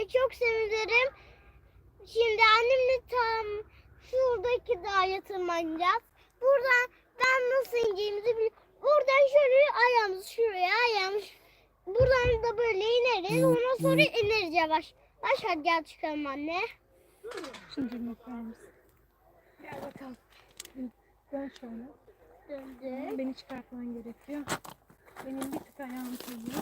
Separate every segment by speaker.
Speaker 1: çok sevinirim. Şimdi annemle tam şuradaki dağa tırmanacağız. Buradan ben nasıl ineceğimizi biliyorum. Buradan şöyle ayağımız şuraya ayağımız. Buradan da böyle ineriz. Ondan sonra ineriz yavaş. Hadi gel çıkalım anne.
Speaker 2: Şimdi bakar mısın? Gel bakalım. Dön şöyle.
Speaker 1: Döndüm.
Speaker 2: Beni çıkartman gerekiyor. Benim bir tık ayağım kayıyor.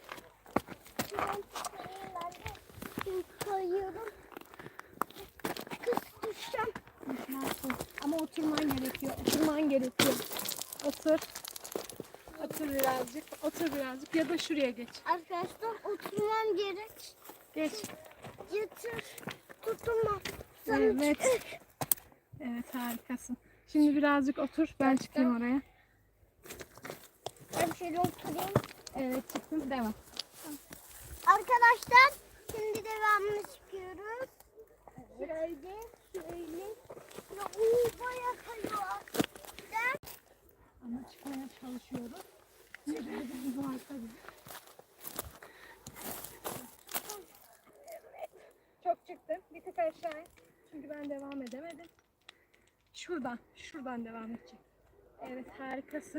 Speaker 1: Şimdi kayıyorum. Kız düşeceğim.
Speaker 2: Düşmezsin. Ama oturman gerekiyor. Oturman gerekiyor. Otur. Otur birazcık. Otur birazcık. Ya da şuraya geç.
Speaker 1: Arkadaşlar oturmam gerek.
Speaker 2: Geç.
Speaker 1: Yatır. Tutunma.
Speaker 2: Evet. Evet, harikasın. Şimdi birazcık otur. Ben çıkayım oraya.
Speaker 1: Ben şöyle oturayım.
Speaker 2: Evet, çıktım. Devam.
Speaker 1: Arkadaşlar şimdi devamını çıkıyoruz. Şöyle. Ya bayağı kayıyor.
Speaker 2: Ama çıkmaya çalışıyoruz. Nerede var tabii. Çok çıktım. Bir tık aşağı in. Çünkü ben devam edemedim. Şuradan devam edecek. Evet, harikasın.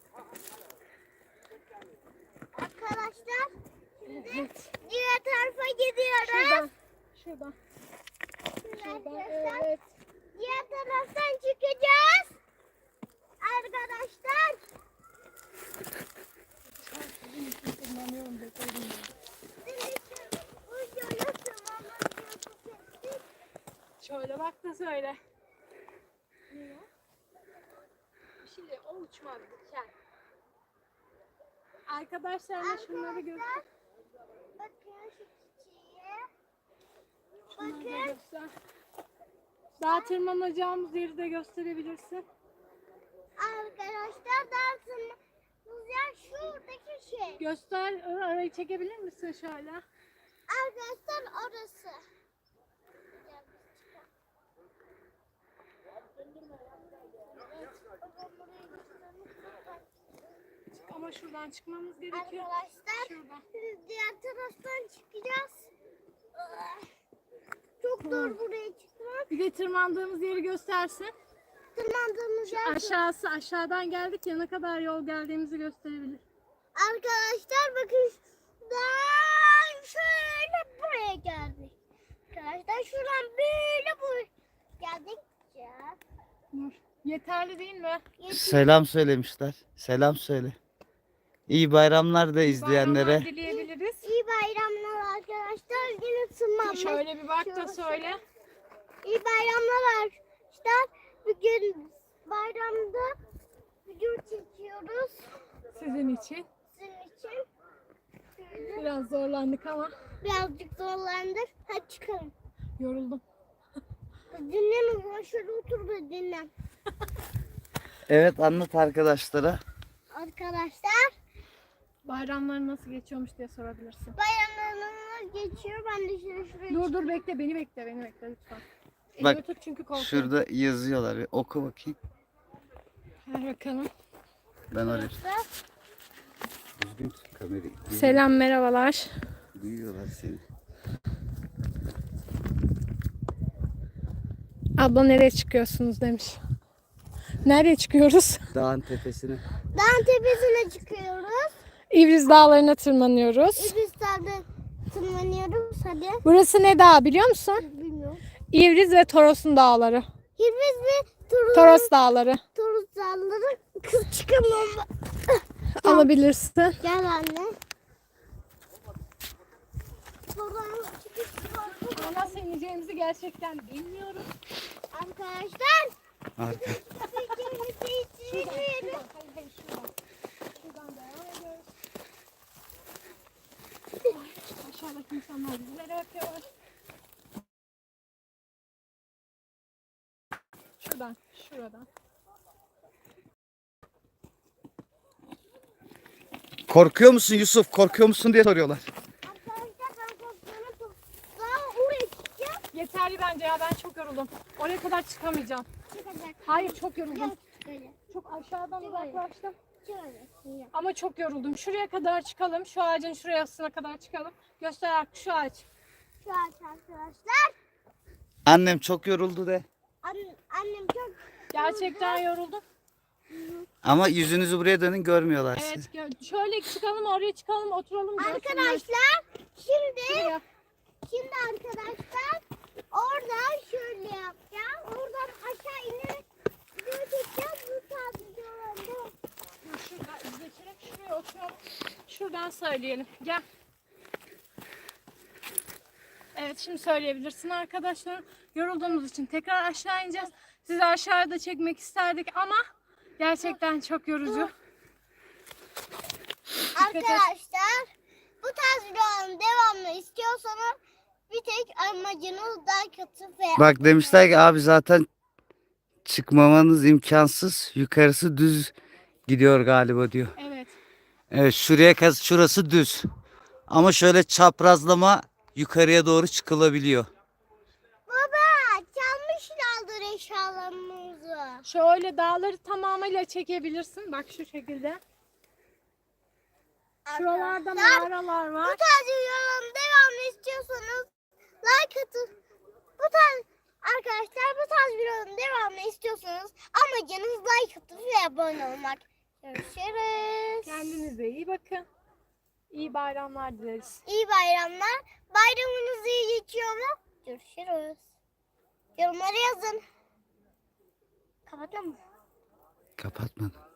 Speaker 1: Arkadaşlar
Speaker 2: Evet.
Speaker 1: diğer tarafa gidiyoruz.
Speaker 2: Şuradan.
Speaker 1: Arkadaşlar,
Speaker 2: Evet.
Speaker 1: diğer taraftan çıkacağız. Arkadaşlar.
Speaker 2: Şöyle bak da söyle. Şimdi o uçmaz diken. Arkadaşlarına şunları göster.
Speaker 1: Bakın şu çiçeğe.
Speaker 2: Şunları da
Speaker 1: Bakın.
Speaker 2: göster. Daha tırmanacağımız yeri de gösterebilirsin.
Speaker 1: Arkadaşlar dansın. Ya şuradaki şey.
Speaker 2: Göster, arayı çekebilir misin şöyle?
Speaker 1: Arkadaşlar orası.
Speaker 2: Ama şuradan çıkmamız gerekiyor.
Speaker 1: Arkadaşlar
Speaker 2: Şuradan.
Speaker 1: diğer taraftan çıkacağız. Çok zor buraya çıkmak.
Speaker 2: Bir de tırmandığımız yeri göstersin.
Speaker 1: Tırmandığımız yer.
Speaker 2: Aşağıdan geldik ya, ne kadar yol geldiğimizi gösterebilir.
Speaker 1: Arkadaşlar bakın şuradan şöyle buraya geldik. Arkadaşlar şuradan böyle buraya geldik. Ya.
Speaker 2: Nur, yeterli değil mi?
Speaker 3: Selam söylemişler. Selam söyle. İyi bayramlar da izleyenlere.
Speaker 2: Bayramlar dileyebiliriz.
Speaker 1: İyi bayramlar arkadaşlar. Yine tırmanmak.
Speaker 2: Şöyle bir bak da söyle.
Speaker 1: İyi bayramlar arkadaşlar. Bugün bayramda video çekiyoruz.
Speaker 2: Sizin için.
Speaker 1: Sizin için.
Speaker 2: Biraz zorlandık ama
Speaker 1: Birazcık zorlandık. Hadi çıkalım.
Speaker 2: yoruldum.
Speaker 1: Dinlen o zaman. Şöyle otur da dinlen.
Speaker 3: Evet, anlat arkadaşlara.
Speaker 1: Arkadaşlar
Speaker 2: Bayramlar nasıl geçiyormuş diye sorabilirsin.
Speaker 1: bayramlarımız geçiyor. Ben de şuraya
Speaker 2: Dur bekle, beni bekle lütfen.
Speaker 3: Bak,
Speaker 2: Elimi tut çünkü korkuyorum.
Speaker 3: Şurada yazıyorlar. Bir oku bakayım.
Speaker 2: Ver bakalım.
Speaker 3: Ben oraya.
Speaker 1: çıkacağız.
Speaker 3: Düzgün tut kamerayı.
Speaker 2: Selam, merhabalar.
Speaker 3: Duyuyorlar seni.
Speaker 2: Abla nereye çıkıyorsunuz demiş. Nereye çıkıyoruz?
Speaker 3: Dağın tepesine.
Speaker 1: Dağın tepesine çıkıyoruz.
Speaker 2: İvriz dağlarına tırmanıyoruz.
Speaker 1: İblisler'de tırmanıyoruz. Hadi.
Speaker 2: Burası ne dağ biliyor musun?
Speaker 1: Bilmiyorum.
Speaker 2: İvriz ve Toros'un dağları.
Speaker 1: İbriz ve
Speaker 2: Toros dağları.
Speaker 1: Torus dağları. Kız çıkamam.
Speaker 2: Alabilirsin.
Speaker 1: Gel anne. Buradan çıkış var.
Speaker 2: Ama nasıl ineceğimizi gerçekten bilmiyorum.
Speaker 1: Arkadaşlar.
Speaker 3: Arka.
Speaker 2: Şuradan devam ediyoruz. Aşağıdaki insanlar bizlere yapıyor. Şuradan.
Speaker 3: Korkuyor musun Yusuf? Korkuyor musun diye soruyorlar.
Speaker 1: Arkadaşlar ben korkuyorum. Daha oraya çıkacağım.
Speaker 2: Yeterli bence ya, ben çok yoruldum. Oraya kadar çıkamayacağım.
Speaker 1: Çıkacak.
Speaker 2: Hayır, çok yoruldum.
Speaker 1: Yok böyle.
Speaker 2: Çok aşağıdan uzaklaştım.
Speaker 1: Şöyle.
Speaker 2: Ama çok yoruldum. Şuraya kadar çıkalım. Şu ağacın şurasına kadar çıkalım. Göster artık şu ağaç.
Speaker 1: şu an arkadaşlar.
Speaker 3: Annem çok yoruldu de.
Speaker 1: Annem çok
Speaker 2: Gerçekten yoruldum.
Speaker 3: Ama yüzünüzü buraya dönün, görmüyorlar sizi.
Speaker 2: Evet şöyle çıkalım, oraya çıkalım, oturalım. görsünler.
Speaker 1: arkadaşlar şimdi
Speaker 2: Şuraya.
Speaker 1: arkadaşlar oradan şöyle yapacağız. Oradan aşağı inerek video çekeceğiz. Bu tarz videolarda.
Speaker 2: Dur, şuradan geçerek şuraya oturalım. Şuradan söyleyelim. Gel. Evet, şimdi söyleyebilirsin arkadaşlar. Yorulduğumuz için tekrar aşağı ineceğiz. Sizi aşağıda çekmek isterdik ama gerçekten çok yorucu. Dikkat et.
Speaker 1: Arkadaşlar bu tarz videoların devamını istiyorsanız bir tek amacınız daha kötü ve
Speaker 3: Bak demişler ki abi zaten çıkmamanız imkansız. Yukarısı düz gidiyor galiba diyor.
Speaker 2: Evet.
Speaker 3: Evet, şurası düz. Ama şöyle çaprazlama yukarıya doğru çıkılabiliyor.
Speaker 1: baba çalmışlardır eşyalarımızı.
Speaker 2: Şöyle dağları tamamıyla çekebilirsin. Bak şu şekilde. Şuralarda mağaralar
Speaker 1: Bu
Speaker 2: var.
Speaker 1: tarz videoların devamını istiyorsanız like atın. Bu tarz arkadaşlar bu tarz videoların devamını istiyorsanız amacınız like atıp ve abone olmak. Görüşürüz.
Speaker 2: Kendinize iyi bakın. İyi bayramlar dileriz.
Speaker 1: İyi bayramlar. Bayramınız iyi geçiyor mu? Görüşürüz. Yorumlara yazın. Kapatıyor mu?
Speaker 3: Kapatmadım.